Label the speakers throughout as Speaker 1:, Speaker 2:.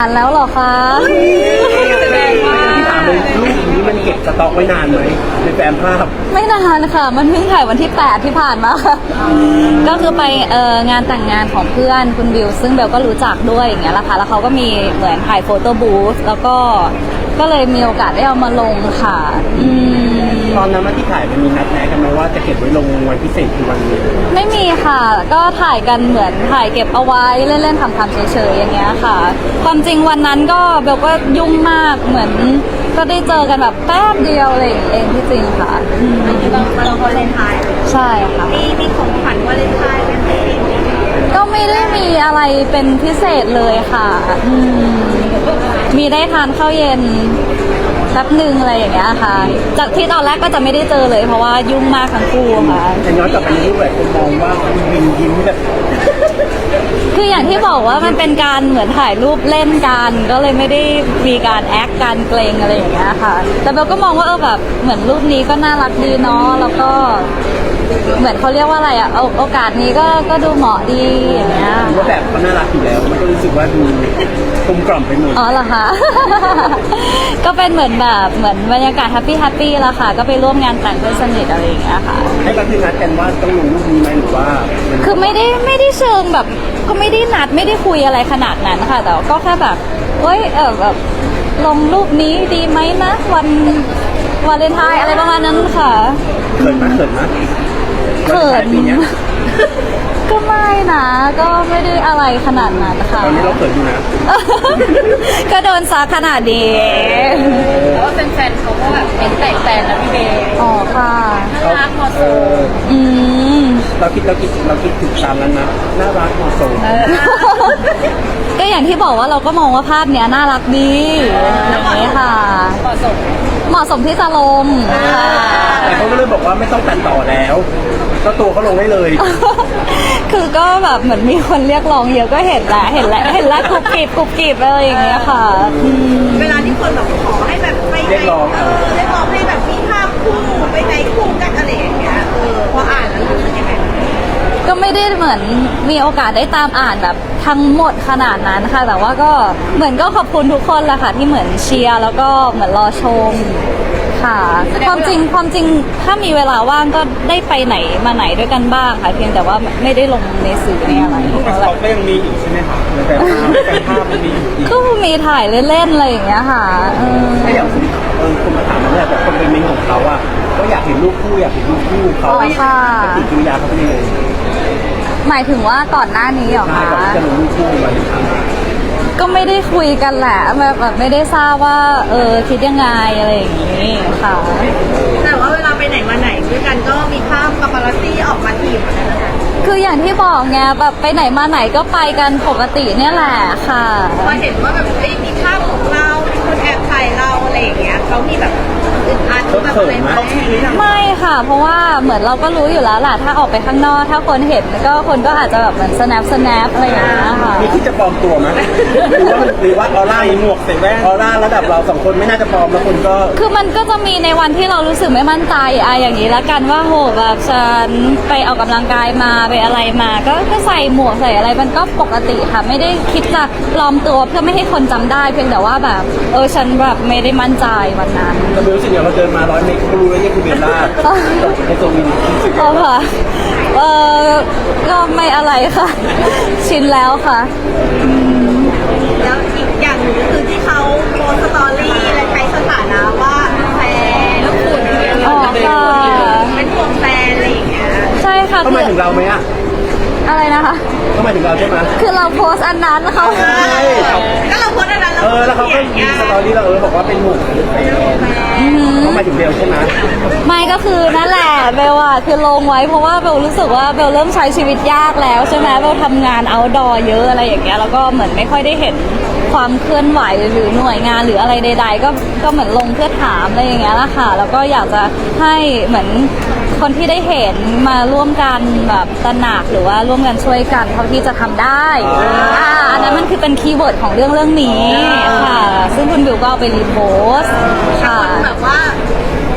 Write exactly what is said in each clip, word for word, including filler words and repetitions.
Speaker 1: อ่านแล้วเหรอคะ
Speaker 2: แสดงว่าที่ถามเลยรูปนี้มันเก็บสต็อกไว้นานไหมในแฟ้มภาพ
Speaker 1: ไม่นานค่ะมันเพิ่งถ่ายวันที่แปดที่ผ่านมาค่ะก็คือไปเอ่องานแต่งงานของเพื่อนคุณบิวซึ่งเบลก็รู้จักด้วยอย่างเงี้ยแหละค่ะแล้วเขาก็มีเหมือนถ่ายโฟโต้บูธแล้วก็ก็เลยมีโอกาสได้เอามาลงค่ะอืม
Speaker 2: ตอนนั้นที่ถ่ายมันมีนัดแนะกันไหมว่าจะเก็บไว้ลงวันพิเศษคือวันนี้
Speaker 1: ไม่มีค่ะก็ถ่ายกันเหมือนถ่ายเก็บเอาไว้เล่นๆทำๆเฉยๆอย่างเงี้ยค่ะความจริงวันนั้นก็เบลก็ยุ่งมากเหมือนก็ได้เจอกันแบบแป๊บเดียวอะไรอย่างเองที่จริงค่ะ
Speaker 3: เราเราวาเลนไทน์
Speaker 1: ใช่ค่ะ
Speaker 3: มีมีของขวัญวาเลนไทน์เป็นปี
Speaker 1: ก็ไม่ได้มีอะไรเป็นพิเศษเลยค่ะอืมมีได้ทานข้าวเย็นแป๊บหนึ่งอะไรอย่างเงี้ยค่ะจากที่ตอนแรกก็จะไม่ได้เจอเลยเพราะว่ายุ่งมากทั้งคู่ค่ะ
Speaker 2: แต่ย้อนกลับไปในรูปแบบคนมองว่าคุณวินยิ้มแบบ
Speaker 1: คืออย่างที่บอกว่ามันเป็นการเหมือนถ่ายรูปเล่นกันก็เลยไม่ได้มีการแอคการเกรงอะไรอย่างเงี้ยค่ะแต่เบลก็มองว่าเออแบบเหมือนรูปนี้ก็น่ารักดีเนาะแล้วก็เหมือนเขาเรียกว่าอะไรอ่ะโอกาสนี้ก็ก็ดูเหมาะดีอย่างเงี้ย
Speaker 2: ว่าแบบเขาน่ารักอยู่แล้วมันก็รู้สึกว่าดูกลมกล่อมไปหมด
Speaker 1: อ๋อเหรอคะ ก็เป็นเหมือนแบบเหมือนบรรยากาศแฮปปี้แฮปปี้แล้วค่ะก็ไปร่วมงานแต่งเพื่อนสนิทอะไรอย่างเงี้ยค่ะ
Speaker 2: ให้ก็คือนัดกันว่าต้องลงรูปนี้ไหมหรือว่า
Speaker 1: คือไม่ได้ไม่ได้เชิงแบบก็ไม่ได้นัดไม่ได้คุยอะไรขนาดนั้นค่ะแต่ก็แค่แบบเฮ้ยเออแบบลงรูปนี้ดีไหมนะวันวาเลนไทน์อะไรประมาณนั้นค่ะ
Speaker 2: เขินไหมเขินไหม
Speaker 1: เขินก็ไม่นะก็ไม่ได้อะไรขนาดนั้นค่ะ
Speaker 2: ตอนนี้เราเขินอยู่นะ
Speaker 1: ก็โดนซักขนาดนี้
Speaker 3: แล้วว่าเป็นแฟนเขาก็แบบเป็นแต่แฟนนะพี่เบย์
Speaker 1: อ๋อค่ะ
Speaker 3: น่ารักเหมาะสม
Speaker 1: อืม
Speaker 2: เราคิดเราคิดเราคิดถึงตามนั้นนะน่ารักเหมาะสม
Speaker 1: ก็อย่างที่บอกว่าเราก็มองว่าภาพเนี้ยน่ารักดีอย่างนี้ค่ะ
Speaker 3: เหมาะสม
Speaker 1: เหมาะสมที่จะลง
Speaker 2: แต่เขาก็เลยบอกว่าไม่ต้องตัดต่อแล้วก็ตัวเขาลงได้เลย
Speaker 1: คือก็แบบเหมือนมีคนเรียกร้องเยอะก็เห็นแล้วเห็นแล้วเห็นแล้วกรุบกริบกรุบกริบอะไรอย่างเงี้ยค่ะ
Speaker 3: เวลาที่คนแบบขอให้แบบไปไหนเออเรียกร้องให้แบบมีภาพคู่ไปไหนคู่กันอะไรอย่างเงี้ยเออพออ่านแล้วรู้สึกยังไง
Speaker 1: ก็ไม่ได้เหมือนมีโอกาสได้ตามอ่านแบบทั้งหมดขนาดนั้นค่ะแต่ว่าก็เหมือนก็ขอบคุณทุกคนแหละค่ะที่เหมือนเชียร์แล้วก็เหมือนรอชมค่ะความจริงความจริงถ้ามีเวลาว่างก็ได้ไปไหนมาไหนด้วยกันบ้างค่ะเพียงแต่ว่าไม่ได้ลงในสื่อในอะไร
Speaker 2: แต่เขาก็ยังมีอยู่ใช่ไหมคะแต่ภาพแต่ภาพมันมีอยู่
Speaker 1: ก็มีถ่ายเล่นๆอะไรอย่างเงี้ยค่ะ
Speaker 2: ถ้าอย่างคุณเออคุณมาถามมันเนี่ยแต่คนเป็นเมนของเขาอ่ะก็อยากเห็นรูปคู่อยากเห็นรูปคู่เขาปฏิกิริยาเขาเป็นยังไง
Speaker 1: หมายถึงว่าก่อนหน้านี้เหรอคะ
Speaker 2: ก่อนที่จะลงรูปคู่มา
Speaker 1: ก็ไม่ได้คุยกันแหละแบบแบบไม่ได้ทราบว่าเออคิดยังไงอะไรอย่างนี้ค่ะ
Speaker 3: แต่ว่าเวลาไปไหนมาไหนด้วยกันก็มีภาพปาปารัสซี่ออกมาถีบเหมือนกันนะคะ
Speaker 1: คืออย่างที่บอกไงแบบไปไหนมาไหนก็ไปกันปกติเนี่ยแหละค่ะ
Speaker 3: พอเห็นว่าแบบเอ้ยมีภาพของเรามีคนแอบถ่ายเราอะไรอย่างเงี้ยเขามีแบบอึดอัดแบบอะไรไหม
Speaker 1: ไม่ค่ะเพราะว่าเหมือนเราก็รู้อยู่แล้วแหละถ้าออกไปข้างนอกถ้าคนเห็นก็คนก็อาจจะแบบเหมือน snap snap อะไรอย่างเงี้ยค่ะ
Speaker 2: มีที่จะปลอมตัวไหมหรือว่าหรือว่าออร่าหมวกใส่แว่นออร่าระดับเราสองคนไม่น่าจะปลอมแล้วคนก็
Speaker 1: คือมันก็จะมีในวันที่เรารู้สึกไม่มั่นใจอะอย่างนี้ละกันว่าโหแบบฉันไปออกกำลังกายมาไปอะไรมาก็ก็ใส่หมวกใส่อะไรมันก็ปกติค่ะไม่ได้คิดจะปลอมตัวเพื่อไม่ให้คนจำได้เพียงแต่ว่าแบบเออฉันแบบไม่ได้มั่นใจวันนั้น
Speaker 2: เรารู้สึกอย่างเราเดินมาร้อยเมตรก็รู้แล้วนี่คือเบลล่าในโซมินรู้สึก
Speaker 1: ยังไงค่ะเออก็ไม่อะไรค่ะชินแล้วค่ะ
Speaker 3: แล้วอีกอย่างหนึ่งก็คือที่เขาโพสสตอรี่และใช้สถานะว่าแฟนแล้วคุณ
Speaker 1: อ๋อค่ะ
Speaker 3: เป็นพวกแฟนอะไรอย่างเงี้ย
Speaker 1: ใช่ค่ะ
Speaker 2: เขาหมายถึงเราไหมอะ
Speaker 1: อะไรนะคะ
Speaker 2: เขาหมายถึงเราใช่ไหม
Speaker 1: คือเราโพสอันนั้นเขา
Speaker 3: ก็เราโพสอันนั้น
Speaker 2: เออแล้วเขาก็มีสตอรี่เราเออบอกว่าเป็นหมู่เขาหมายถึงเบลใช่ไหม
Speaker 1: ไม่ก็คือนั่นแหละเบลอะคือลงไว้เพราะว่าเบลรู้สึกว่าเบลเริ่มใช้ชีวิตยากแล้วใช่ไหมเบลทำงานเอาท์ดอร์เยอะอะไรอย่างเงี้ยแล้วก็เหมือนไม่ค่อยได้เห็นความเคลื่อนไหวหรือหน่วยงานหรืออะไรใดๆก็ก็เหมือนลงเพื่อถามอะไรอย่างเงี้ยละค่ะแล้วก็อยากจะให้เหมือนคนที่ได้เห็นมาร่วมกันแบบตระหนักหรือว่าร่วมกันช่วยกันเท่าที่จะทำได้อ่าอันนั้นมันคือเป็นคีย์เวิร์ดของเรื่องเรื่องนี้ค่ะซึ่งคุณบิวก็เอาไปรีโพสต์ค่ะ
Speaker 3: แบบว่า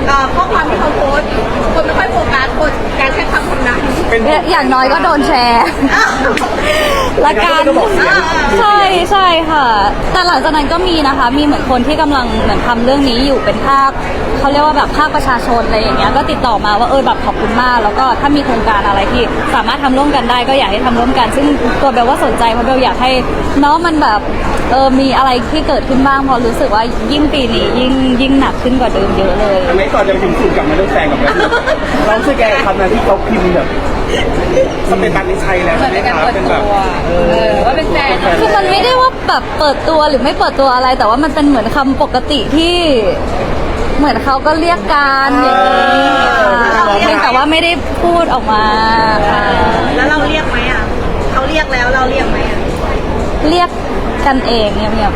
Speaker 3: เอ่อข้อความที่เขาโพสต์คนไม่ค่อยโฟกัสคนการใช้คำคำนั้น
Speaker 2: เป็น
Speaker 1: อย่างน้อยก็โดนแชร์ ละกัน
Speaker 2: ก็บอกเสียง
Speaker 1: ใช่ใช่ค่ะ แต่หลังจากนั้นก็มีนะคะ มีเหมือนคนที่กำลังเหมือนทำเรื่องนี้อยู่เป็นภาคเขาเรียกว่าแบบภาคประชาชนอะไรอย่างเงี้ยก็ติดต่อมาว่าเออแบบขอบคุณมาก แล้วก็ถ้ามีโครงการอะไรที่สามารถทำร่วมกันได้ก็อยากให้ทำร่วมกัน ซึ่งตัวเบลว่าสนใจเพราะเบลอยากให้เนาะมันแบบเออมีอะไรที่เกิดขึ้นบ้างเพราะรู้สึกว่ายิ่งปีนี้ยิ่งยิ่งหนักขึ้นกว่าเดิมเยอะเลย
Speaker 2: ทำไมก่อนจะไปถึงสูตรกลับมาเรื่องแฟนกับแฟนเรารู้สึกแกกับคำนั้นที่เขาพิมพ์แบบสเปนตันนี่ใช่แล้วใช่ไหมครับเป็นแบบเออ
Speaker 3: ว่าเป็นแฟน
Speaker 1: คือมันไม่ได้ว่าแบบเปิดตัวหรือไม่เปิดตัวอะไร แต่ว่ามันเป็นเหมือนคำปกติที่ เหมือนเขาก็เรียกกันอย่างนี้ค่ะเพียงแต่ว่าไม่ได้พูดออกมาค่ะ
Speaker 3: แล้วเราเรียกไหมอ่ะเขาเรียกแล้วเราเรียกไหมอ่ะ
Speaker 1: เรียกกันเองเงียบ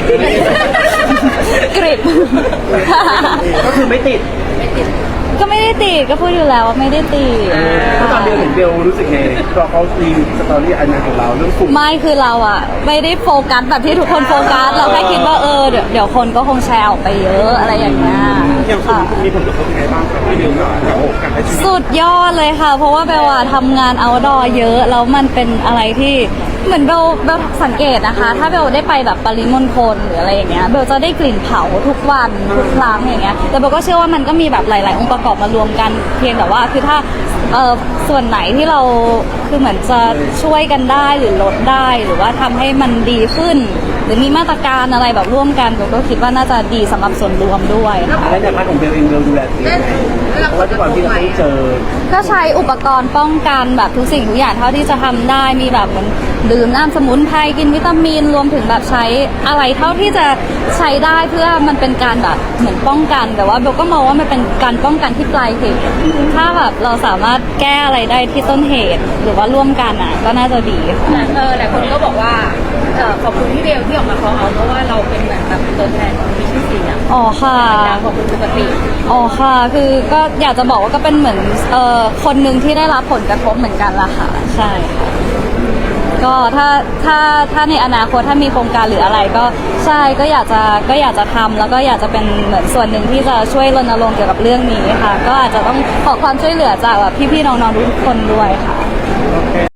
Speaker 1: ๆกริบ
Speaker 2: ก็คือไม่ติด
Speaker 1: ก็ไม่ได้ติดก็พูดอยู่แล้วว่าไม่ได้ติด
Speaker 2: ถ้าตอนเบลเห็นเบลรู้สึกไงพอเขารีวิวสตอรี่อันนั้นของเราเรื่องกลุ่ม
Speaker 1: ไม่คือเราอะไม่ได้โฟกัสแบบที่ทุกคนโฟกัสเราแค่คิดว่าเออเดี๋ยวเดี๋ยวคนก็คงแชร์ออกไปเยอะอะไรอย่างเงี้ย
Speaker 2: อย่างกลุ่
Speaker 1: ค่ะ
Speaker 2: มมีผลกระทบยังไงบ้างครับที่เบลกับการใช้ชีวิต
Speaker 1: สุดยอดเลยค่ะ เพราะว่าเบลอะทำงานเอาดอเยอะแล้วมันเป็นอะไรที่เหมือนเบลเบลสังเกตนะคะ ถ้าเบลได้ไปแบบปริมณฑลหรืออะไรอย่างเงี้ยเบลจะได้กลิ่นเผาทุกวันทุกครั้งอย่างเงี้ยแต่เบลก็เชื่อว่ามันก็มีแบบหลาย ๆ องค์ประกอบมารวมกันเพียงแต่ว่าคือถ้าเอ่อส่วนไหนที่เราคือเหมือนจะช่วยกันได้หรือลดได้หรือว่าทำให้มันดีขึ้น หรือมีมาตรการอะไรแบบร่วมกันเบลก็คิดว่าน่าจะดีสำหรับส่วนรวมด้วยค่ะ
Speaker 2: และในพาร์ทของเบลเองเบลดูแลตัวเองไงเพราะว่าทุกวันที่เราต้องเจอ
Speaker 1: ก็ใช้อุปกรณ์ป้องกันแบบทุกสิ่งทุกอย่างเท่าที่จะทำได้มีแบบเหมือนดื่มน้ำสมุนไพรกินวิตามินรวมถึงแบบใช้อะไรเท่าที่จะใช้ได้เพื่อมันเป็นการแบบเหมือนป้องกัน แต่ว่าเบลก็มองว่ามันเป็นการป้องกันที่ปลายเหตุถ้าแบบเราสามารถแก้อะไรได้ที่ต้นเหตุ หรือว่าร่วมกันอ่ะก็น่าจะดีค่ะ
Speaker 4: เออหลายคนก็บอกว่าเออขอบคุณพี่เบลที่ออกมาขอเอาเพราะว่าเราเป็นแบบแบบตัวแทนของมีชื่อเสียง
Speaker 1: อ๋อค่ะ
Speaker 4: ดังกว่าคนปกติ
Speaker 1: อ๋อค่ะ คือก็อยากจะบอกว่าก็เป็นเหมือนเอ่อคนหนึ่งที่ได้รับผลกระทบเหมือนกันล่ะค่ะ ใช่ค่ะก็ถ้าถ้าถ้าในอนาคตถ้ามีโครงการหรืออะไรก็ใช่ก็อยากจะก็อยากจะทำแล้วก็อยากจะเป็นเหมือนส่วนหนึ่งที่จะช่วยรณรงค์เกี่ยวกับเรื่องนี้ค่ะ ก็อาจจะต้องขอความช่วยเหลือจากแบบพี่ๆน้องๆทุกคนด้วยค่ะ
Speaker 2: โอเค